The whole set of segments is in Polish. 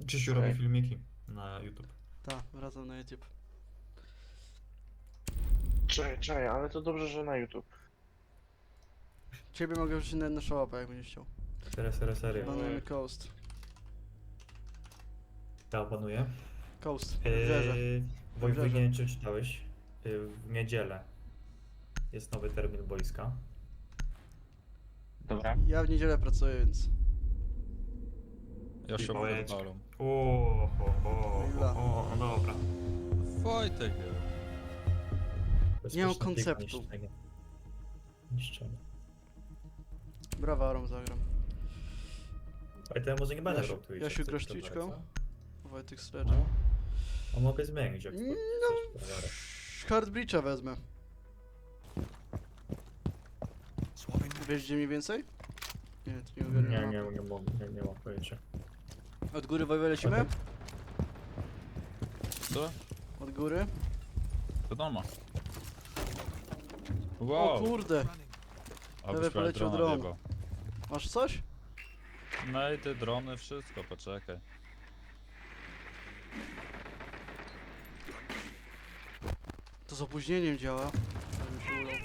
Krzysiu robi filmiki na YouTube. Tak, wracam na YouTube. Czekaj, ale to dobrze, że na YouTube. Ciebie mogę wrzucić na szałapę, jak będziesz chciał. Serio. Banujemy Coast. Ja opanuję. Coast, wybrzeże. Wojtek, nie wiem czy czytałeś. W niedzielę jest nowy termin boiska. Dobra. Ja w niedzielę pracuję, więc... Ja się I mogę pojedź. balą. O, dobra. Wojtek. Nie mam Bezpieczne konceptu. Niszczenie. Brawarą zagram. Ale to ja może nie będę Jasiu- grał tu iść, Jasiu, jak grasz chcesz, to Twitchką? lecę. Wojtek Sledge. A mogę zmienić jak No. chcesz, dobra. Hard Breacha wezmę. Wiesz gdzie mniej więcej? Nie, to nie ogarniam. Nie mam pojęcia. Od góry Wojwę lecimy? Okej. Co? Od góry? Wiadomo. O Wow. kurde! Abyś prawie poleciał drona dron. wjebał. Masz coś? No i te drony, wszystko, poczekaj. To z opóźnieniem działa. Ale mi się ulał.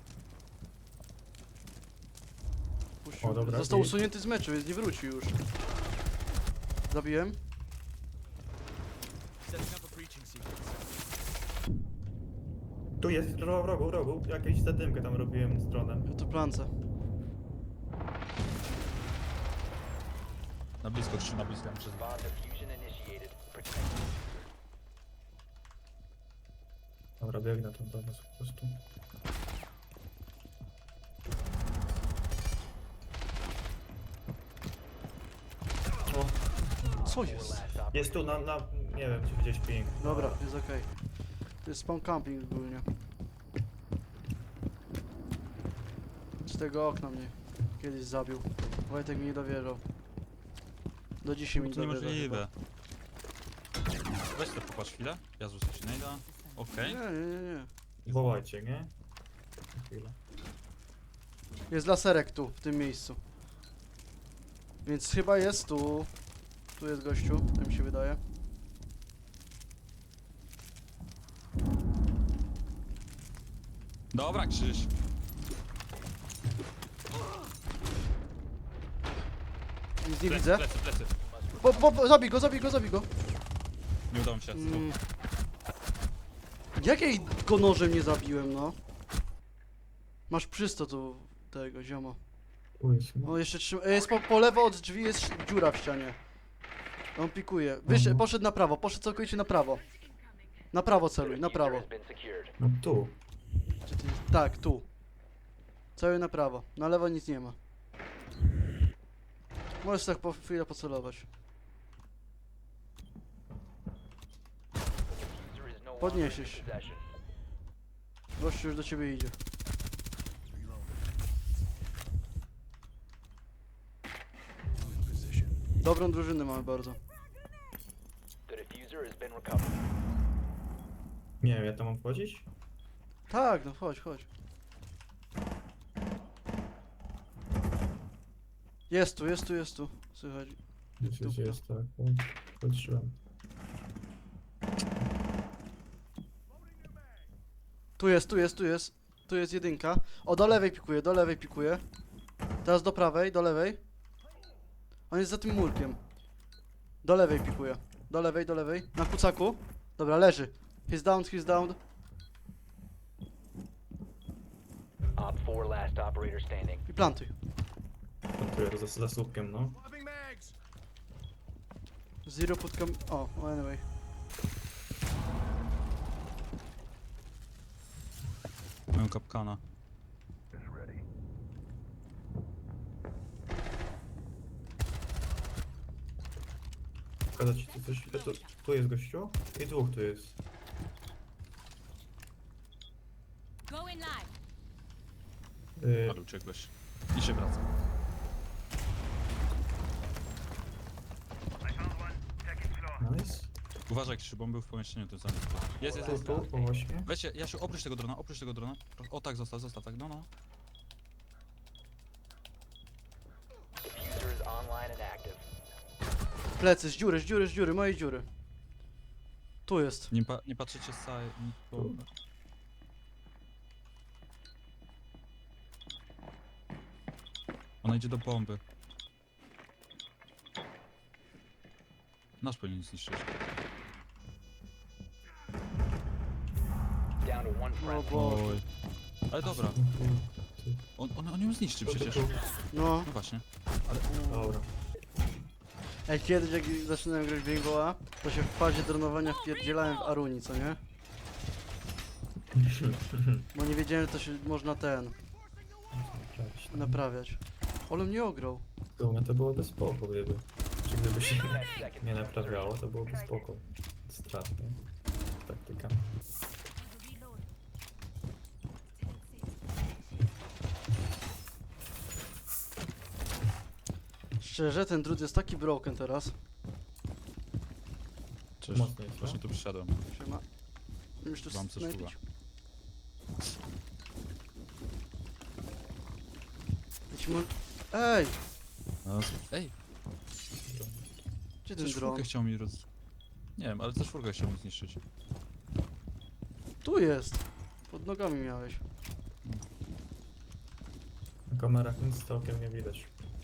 Puścił. O, dobra, Został i- usunięty z meczu, więc nie wróci już. Zabiłem. Tu jest, w rogu. Jakąś zadymkę tam robiłem z dronem. Ja tu plance. Na blisko, Krzysiu, na blisko. Przez... Bomb diffusion initiated. Protect. Dobra, biegnę tam do was po prostu. Co jest? Last op. Jest tu nie wiem czy gdzieś ping. Dobra, jest okej. To jest spawn camping ogólnie. Z tego okna mnie kiedyś zabił. Wojtek mi nie dowierzał. Do dzisiaj mi nie To dowierza niemożliwe. Weź to popatrz chwilę. Ja zrzucę ci najda. Okej. chyba. Nie. Wołajcie, nie? Chwilę. Jest laserek tu, w tym miejscu. Więc chyba jest tu. Tu jest gościu, tak mi się wydaje. Dobra, Krzyś. Nic nie widzę. Plecy. Zabij go. Nie udało mi się. Jakiej go nożem nie zabiłem, no? Masz przysto tu tego ziomo. Tu jest, no. O, jeszcze trzyma. Jest po lewo od drzwi jest dziura w ścianie. On pikuje. Poszedł na prawo, poszedł całkowicie na prawo. Na prawo celuj, na prawo. Has been secured. No tu. Gdzie ty jest? Tak, tu. Cały na prawo. Na lewo nic nie ma. Możesz tak po chwilę pocelować. User is no longer Podniesiesz. in possession. Gościu już do ciebie idzie. Dobrą drużynę mamy bardzo. The diffuser has been recovered. Nie wiem, ja tam mam wchodzić? Tak, no chodź. Jest tu. Słychać. Jest tak. Patrzyłem. Tu jest. Tu jest jedynka. O, do lewej pikuje. Teraz do prawej, do lewej. On jest za tym murkiem. Do lewej pikuje. Do lewej. Na kucaku. Dobra, leży. He's down. Op 4 last operator standing. I plantuj. Tu jest za słupkiem, no. Zero pod kam... O, anyway. Mam kapkana. Pokazać ci tu coś. Tu jest gościu i dwóch tu jest. Going live. Ale uciekłeś. I się wraca. Nice. Uważaj, Krzysiu, bo on był w pomieszczeniu tym samym. Jest. Tu, po właśnie. Weźcie, Jasiu, oprócz tego drona. O tak, zostaw, tak, no. Diffuser is online and active. Plecy, z dziury, mojej dziury. Tu jest. Nie patrzycie z całej... Ona idzie do bomby. Nasz powinien zniszczyć. Down to one O friendly. Boże. Oj. Ale dobra, on ją zniszczy przecież. No. No właśnie. Dobra. Ej, kiedyś jak zaczynałem grać w Rainbowa, to się w fazie dronowania wpierdzielałem w Aruni, co nie? Bo nie wiedziałem, że to się można naprawiać. Ale mnie ograł. W sumie to byłoby spoko, gdyby. Czy gdyby się 10 seconds. nie naprawiało, to byłoby spoko. Strat, nie? Taktyka. Szczerze, ten drut jest taki broken teraz. Cześć. Mocno jest, Właśnie no? tu przyszedłem. Siema. Już tu Mam coś snajpić. Idźmy. Ej! No, ej, Gdzie ten też dron? czwórkę chciał mi Nie wiem, ale też czwórkę chciał mi zniszczyć. Tu jest! Pod nogami miałeś. Na kamerach nic z okiem nie widać.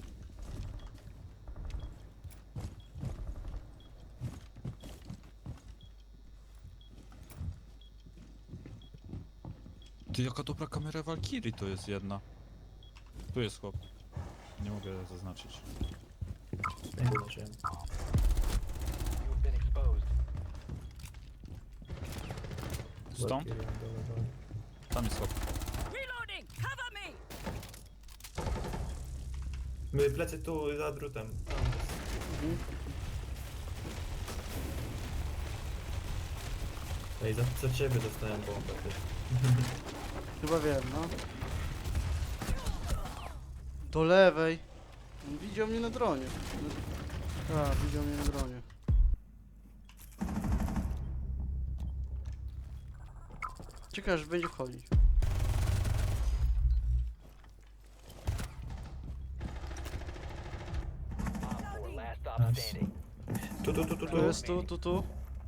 Ty, jaka dobra kamera Valkyrie to jest jedna. Tu jest chłop. Nie mogę zaznaczyć. Nie zobaczyłem. You have been exposed. Stąd? Tam jest chłop. Reloading! Cover me! My plecy tu za drutem. Tam jest. Mhm. Ej, za ciebie dostałem bombę. Ty. Chyba wiem, no. Do lewej. On widział mnie na dronie. Tak, widział mnie na dronie. Ciekawe, że będzie wchodzić. Op 4 last stop Nice. standing. Tu. Tu jest, tu.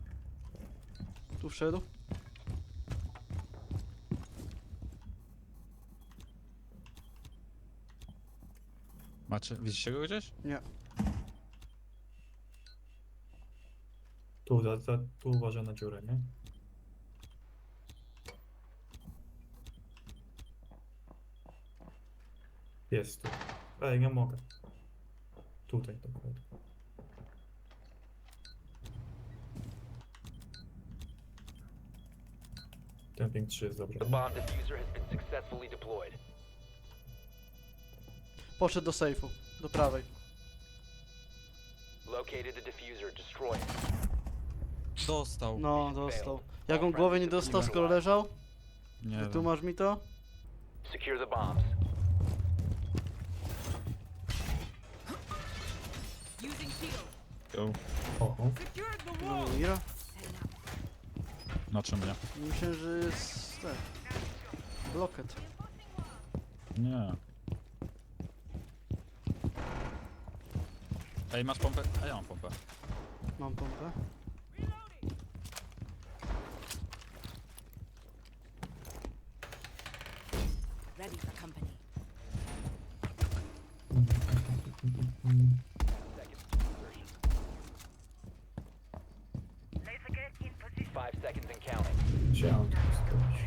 Tu wszedł. Macie, widzicie go gdzieś? Nie. Tu uważaj na dziurę, nie? Jest tu. Ej, nie mogę. Tutaj dokładnie. Temping 3 jest dobry. The bomb diffuser has been successfully deployed. Poszedł do sejfu. Do prawej. Located the diffuser. Destroy it. Dostał. No, dostał. Jak on głowę nie dostał, skoro leżał? Nie wiem. Tu masz mi to? Secure the bombs. Using shield. Go. Oho. Secured the No wall! mira. Na czym nie? Myślę, że jest... tak. Bloket. Nie. Ej, masz pompę? A ja mam pompę. Mam pompę. Ready for company. Seconds to insertion. 5 seconds and counting. Wziąłem to skoś.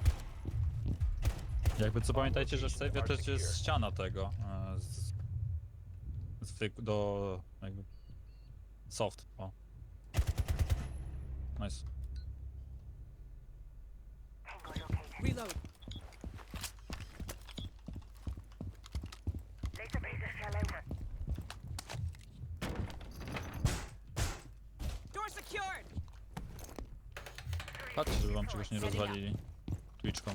Jakby co pamiętajcie, że w sejfie też jest ściana tego. Do jakby... Soft, o. Nice. Reload. Door secured! Patrzcie, żeby wam czegoś nie rozwalili. Twitchką.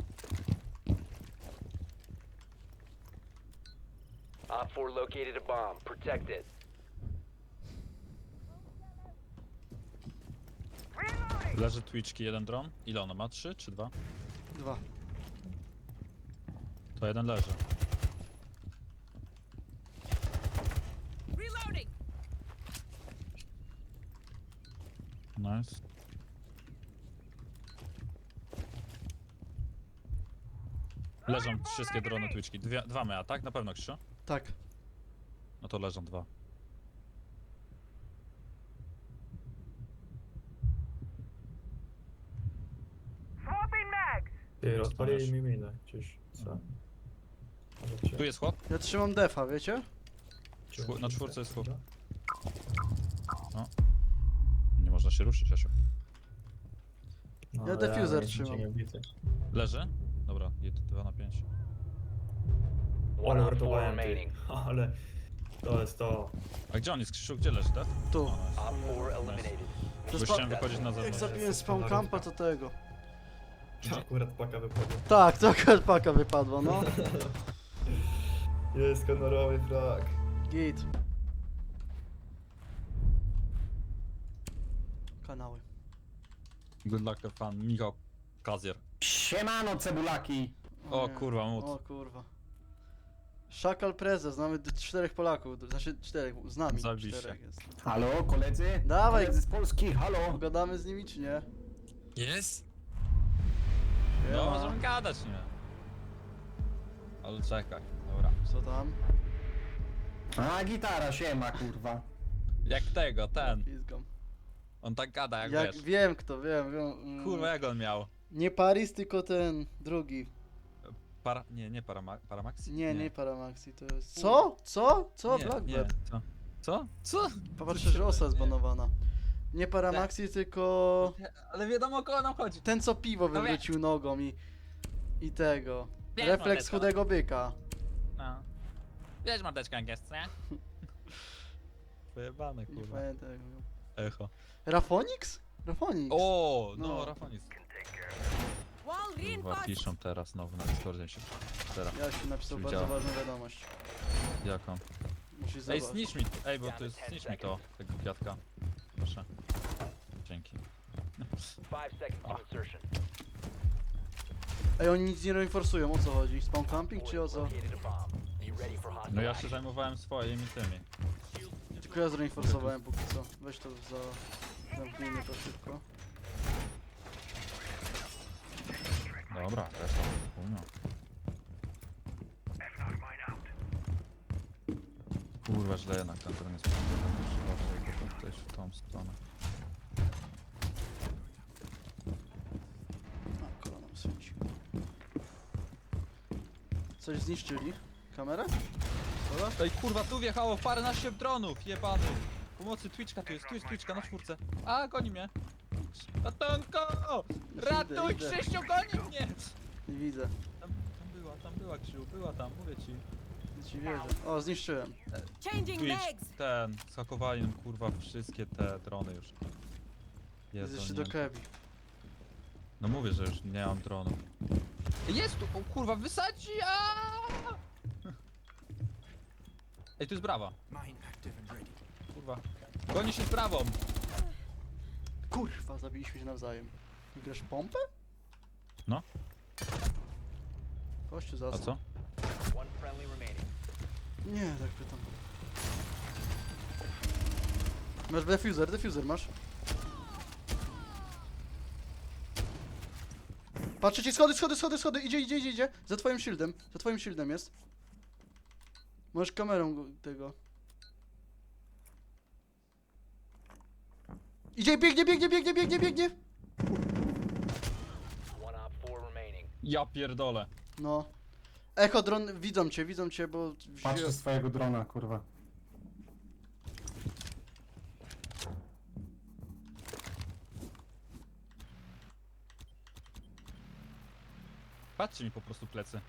Op 4 located a bomb. Protect it. Leży Twitchki, jeden dron. Ile ono ma? 3 czy 2? 2. To jeden leży. Reloading! Nice. Leżą wszystkie drony Twitchki. Dwa mea, tak? Na pewno, Krzysiu? Tak. No to leżą dwa. Ty, Co rozpalili tam mi minę. Gdzieś, co? Może Tu jest chłop? Ja trzymam defa, wiecie? Na czwórce jest chłop. Nie można się ruszyć, Asiu. No, Ja ale defuser jestem trzymam. cię niebity. Leży? Dobra, 2 na 5. Ale One op 4 uratowałem ty. remaining. Ale to jest to. A gdzie on jest, Krzysiu? Gdzie leży, tak? Tu. O, nice. Op 4 eliminated. Bo chciałem wychodzić na Jak zewnątrz. zabiłem spawn campa, to tego. Akurat paka wypadła. Tak, to akurat paka wypadła, no. Jest honorowy frag. Git. Kanały. Good luck, have fun. Michał Kazier. Siemano cebulaki! O nie. kurwa, mut. O kurwa. Szakal Prezes, znamy 4 Polaków, znaczy 4, z nami Zajebiście. 4 jest. Halo, koledzy? Dawaj. Koledzy z Polski, halo! Pogadamy z nimi czy nie? Jest? Siema. No, możemy gadać, nie? Ale czekaj, dobra. Co tam? A, gitara, siema, kurwa. Jak tego, ten. Pizgam. On tak gada, jak Jak wiesz. wiem kto, wiem. Kurwa, jak on miał? Nie Paris, tylko ten drugi. Nie Paramaxi? Nie Paramaxi, to jest... Co? Co? Co? Nie, Blackbird. nie. Co? Co? Popatrzę, że osa jest banowana. Nie Paramaxi, tylko... Ale wiadomo, o kogo nam chodzi. Ten co piwo No wie- wywrócił nogą i tego. Wiesz, Refleks mordeczko. chudego byka. No. Wiesz, mordeczka, jak jest, nie? Wyjebane, Nie kurwa. pamiętam jak mówią. Echo. Rafonix? Rafonix. O, no, No. Rafonis. Wall Kurwa, reinforced. piszą teraz znowu na Discordzie się. Teraz, Jasiu napisał bardzo Widziałem. ważną wiadomość. jaką? Musisz Ej, zobaczyć. zniszcz mi, bo to jest, zniszcz mi to, tego kwiatka. Proszę. Dzięki. 5 seconds to insertion. Ej, oni nic nie reinforcują, o co chodzi? Spawn camping czy o co? Located a bomb. Be ready for hostile No ja się action. zajmowałem swoimi tymi. Tylko ja zreinforsowałem póki co. Weź to za... Zamknijmy to szybko. Dobra, też tam, chuj. Kurwa, źle jednak ten teren jest potrzebny. Trzeba w tą stronę. A, kolana świeci. Coś zniszczyli? Kamerę? Dobra? Ej, kurwa, tu wjechało paręnaście dronów, jebany. Pomocy Twitchka, tu jest Twitchka na czwórce. A, goni mnie. Ratunko! Ratuj, idę. Krzysiu, goni mnie! Nie widzę. Tam była, Krzysiu, była tam, mówię ci. Nie ci wierzę. O, zniszczyłem. Changing Twitch, legs. skakowali nam, kurwa, wszystkie te drony już. Jest jeszcze nie. do Kebi. No mówię, że już nie mam dronów. Jest tu, o kurwa, wysadzi! Aaaa! Ej, tu jest brawa. Kurwa. Goni się z brawą. Kurwa, zabiliśmy się nawzajem. Grasz pompę? No. Kościół A zasad. co? One friendly remaining. Nie, tak pytam. Masz defuser masz. Patrzcie ci, schody, idzie. Za twoim shieldem jest. Możesz kamerą tego. Idzie, biegnie. One op 4 remaining. Ja pierdolę. No. Echo dron, widzą cię, bo... Patrzę swojego drona, kurwa. Patrzcie mi po prostu plecy.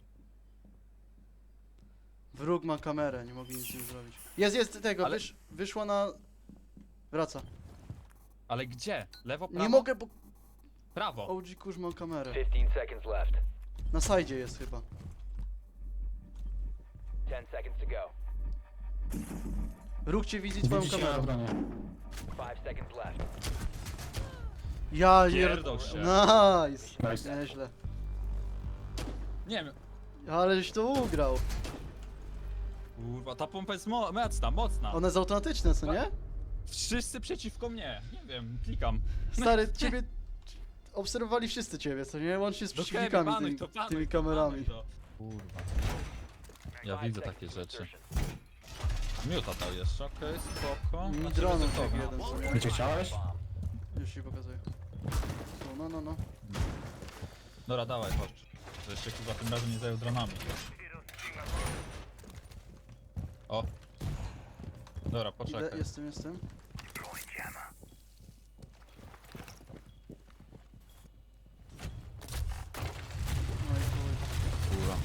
Wróg ma kamerę, nie mogli nic z nim zrobić. Jest tego, Ale- wyszła na... Wraca. Ale gdzie? Lewo, prawo? Nie mogę, bo Prawo. OG kurz ma kamerę. 15 seconds left. Na sajdzie jest chyba. 10 seconds to go. Róg cię widzi twoją Widzicie na kamerą. dronie. 5 seconds left. Ja Pierdol się. Nice! Nice. Nieźle. Nie wiem. Ale żeś to ugrał. Kurwa, ta pompa jest mocna, mocna. One jest automatyczne, co nie? Wszyscy przeciwko mnie. Nie wiem, klikam. Stary, ciebie... Obserwowali wszyscy ciebie, co nie? Łącznie z Do przeciwnikami Kevin, tymi, banuj to, tymi banuj kamerami. to. Kurwa. Ja 5 widzę seconds takie to rzeczy. insertion. Miuta dał jeszcze, okej, spoko. Mi Znaczy, dronów ryzykowne. jak jeden, co nie? Będzie chciałeś? Już ci pokazuję. No. Dobra, dawaj, chodź. Że się kurwa tym razem nie zajął dronami. O. Dobra, Idę, poczekaj. jestem. No i chuj. Kurwa.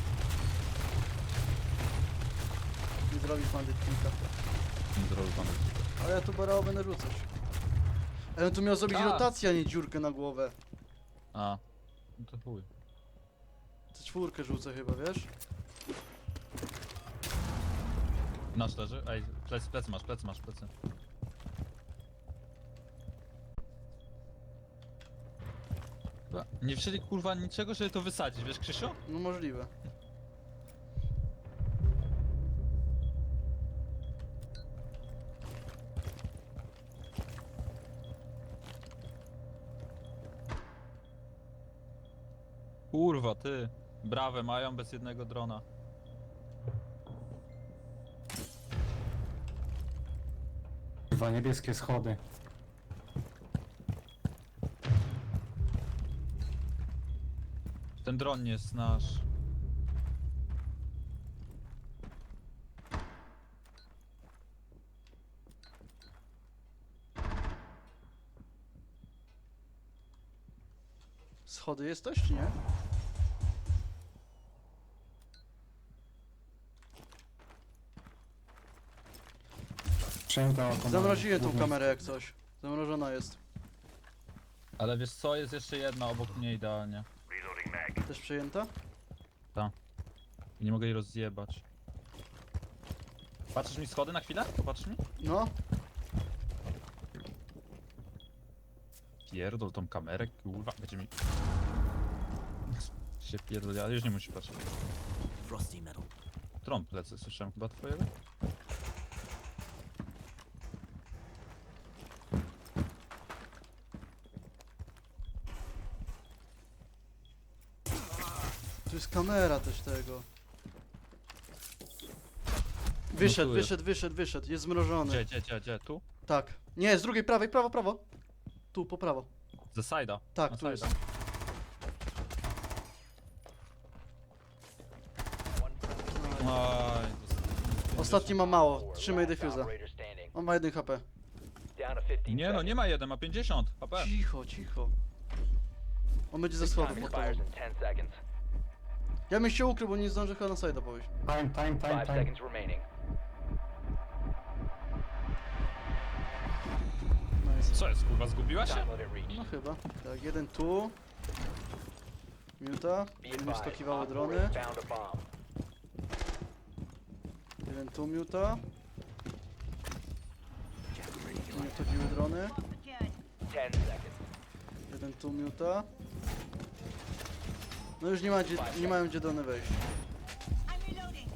Nie zrobisz bandyt kilka. Zrobiony. Ale ja tu barał będę rzucać. Ale on tu miał zrobić A. rotację, a nie dziurkę na głowę. A. No to chuj. Te czwórkę rzucę chyba, wiesz? Nasz leży. Ej, plecy masz. Chyba nie wzięli kurwa niczego, żeby to wysadzić, wiesz Krzysiu? No możliwe. Kurwa, ty. Brawę mają bez jednego drona. Kurwa, niebieskie schody. Ten dron nie jest nasz. Schody jesteś, czy nie? Przejęta oko. Zamroziłem tą kamerę jak coś. Zamrożona jest. Ale wiesz co, jest jeszcze jedna obok mnie idealnie. Też przejęta? I nie mogę jej rozjebać. Patrzysz mi schody na chwilę? Popatrz mi. No. Pierdol tą kamerę, kurwa, będzie mi... się pierdol, ale już nie musi patrzeć. Tron plecy, słyszałem chyba twojego? Tu jest kamera też tego. tu jest. Wyszedł. Jest zmrożony. Gdzie? Tu? Tak. Nie, z drugiej prawej, prawo. Tu, po prawo. Ze side'a. Tak, Na tu jest. side'a. Oj, Ostatni ma mało. 4 Trzymaj last defuza. operator standing. On ma 1 HP. Down to 15 nie no, seconds. nie ma 1, ma 50 HP. Cicho. On będzie ze schodów pod tobą. Expires in 10 seconds. Ja bym się ukrył, bo nie zdążę chyba na side'a pójść. Time. 5 seconds remaining. Nice. Co jest, kurwa, zgubiła się? Time limit reached. No chyba. Tak, jeden tu. Miuta. Be Będą advised, skakiwały Op 4 drony. has found a bomb. Jeden tu miuta. Tu nie wchodziły drony. 10 seconds. Jeden tu miuta. No już nie mają gdzie drony wejść. I'm reloading.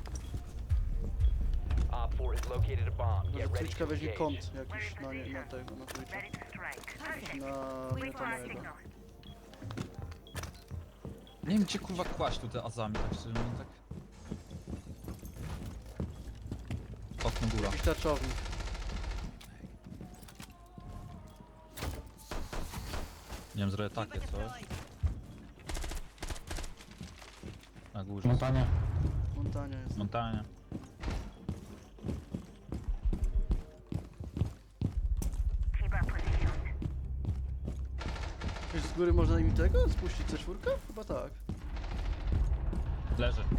Op 4 has located a bomb. Może Get ready Twitchka to weźmie engage. kąt jakiś na tego, na Twitcha. Na miuta mojego. Nie wiem gdzie kurwa kłaść tu te azami, tak szczerze mówiąc, tak... Okno góra. Jakiś tarczownik. Nie wiem, zrobię takie coś. Na górze. Montania. Montania jest. Montania. Wiesz, z góry można im tego? Spuścić C4? Chyba tak. Leży.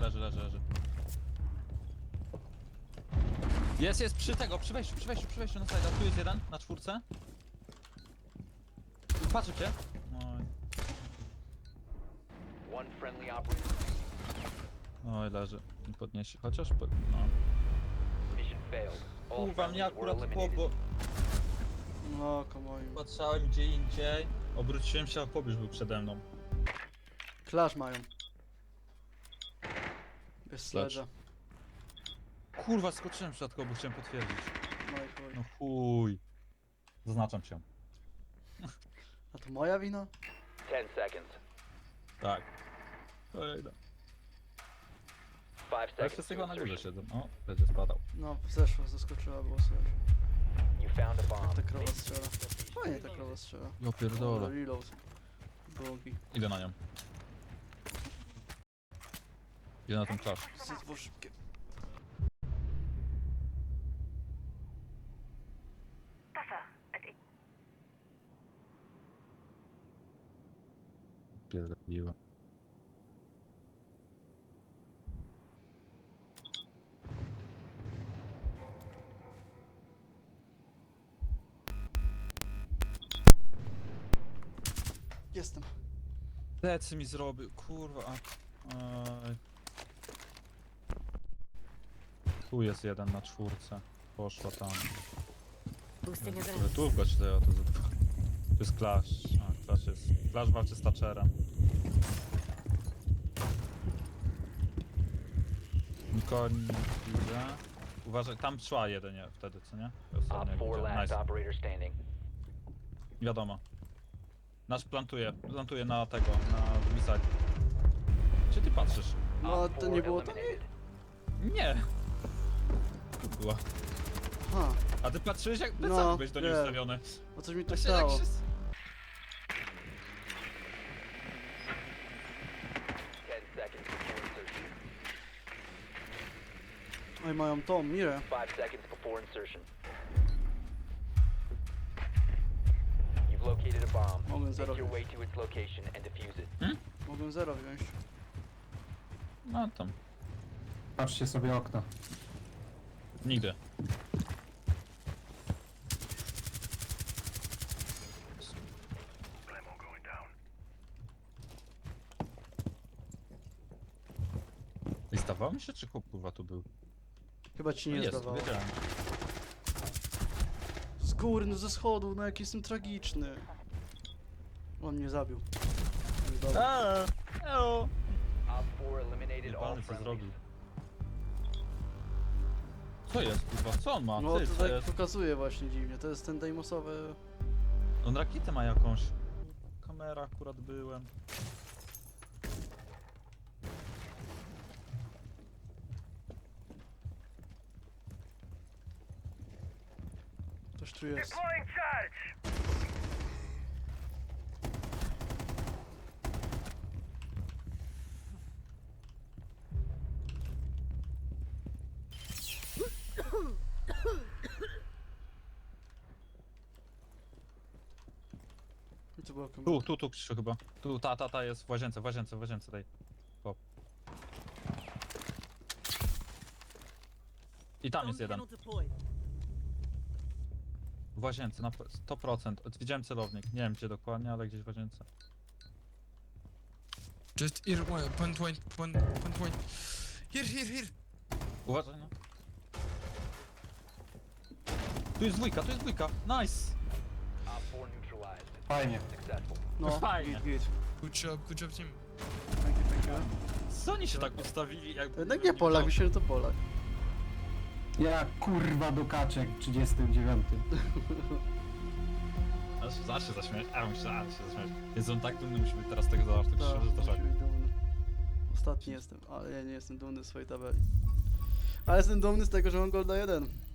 Jest przy tego, przy wejściu na side. Tu jest jeden, na 4. Patrzę cię. Oj, One friendly operator. oj leży. Nie podniesie, chociaż... No. Mission failed. All Kurwa, mnie friendlies were akurat eliminated. chłopo... No, komoim. Patrzałem gdzie indziej. Obróciłem się, a pobliż był przede mną. Clash mają. Bez Clash. sledge'a. Kurwa, skoczyłem w środku, bo chciałem potwierdzić. No i chuj. No chuj. Zaznaczam się. A to moja wina? 10 seconds. Tak. Kolejna. 5 Ale seconds wszyscy to chyba na górze insertion. siedzą. O, będzie spadał. No, zeszła, zaskoczyła, było słychać. You found a bomb. Ta krowa Make your strzela. location Fajnie ta immediately. krowa strzela. Ja pierdolę. Reload. Długi. Idę na nią. Idę na ten klasz. Zydwo szybkie. Pierdoliłem. Jestem. Plecy mi zrobił, kurwa. Aj. Tu jest jeden na 4. Poszła tam. Boosting Ale adrenaline. tu gość to za dwa. Tu jest Clash. A, Clash jest. Clash walczy z Thatcherem. Nikogo nie widzę. Uważaj, tam szła jedynie wtedy, co nie? Op Ostatnio 4 widziałem. last Nice. operator standing. Wiadomo. Nasz plantuje na tego, na drugi side. Gdzie ty patrzysz? No, Op to 4 nie było to? eliminated. Nie! Tu była. Ha, A ty patrzyłeś jak No, plecami byłeś do niej nie. ustawiony. bo coś mi tu Właśnie jak stało. się... 10 seconds before insertion. Oj, mają tą, Mirę. 5 seconds before insertion. You've located a bomb. Mogłem Make zero your wziąć. way to its location and defuse it. Mogłem 0 wziąć. No tam. Patrzcie sobie okno. Nigdy. I zdawało mi się, czy chłop kurwa tu był? Chyba ci nie No jest, zdawało. wiedziałem. Z góry, no ze schodów, no jak jestem tragiczny. On mnie zabił. Dobra. Eo! Op 4 eliminated all Jebany co friendlies. zrobił. Co jest kurwa? Co on ma? No Ty, to co tak jest? pokazuje właśnie dziwnie. To jest ten Deimosowy. On rakietę ma jakąś. Kamera akurat byłem. Ktoś tu jest. I to była kamera. Tu Krzysiu chyba. Tu, ta jest w łazience tej. Pop. I tam jest jeden. W łazience, na 100%. Widziałem celownik. Nie wiem gdzie dokładnie, ale gdzieś w łazience. Just here, point. Here. Uważaj no. Tu jest dwójka. Nice! Op 4 neutralized. Fajnie. Successful. No, fajnie. git. Good job, team. Thank you. Co oni się tak ustawili? Jak To jednak nie Polak, myślę, że to Polak. Ja kurwa do kaczek w 39. Zaraz się zaśmiać. Myślałem się zaśmiać. Jest on tak dumny, musi być teraz z tego zawarty, Tak, że to musi szok. być dumny. Ostatni jestem, ale ja nie jestem dumny z swojej tabeli. Ale jestem dumny z tego, że mam Golda 1.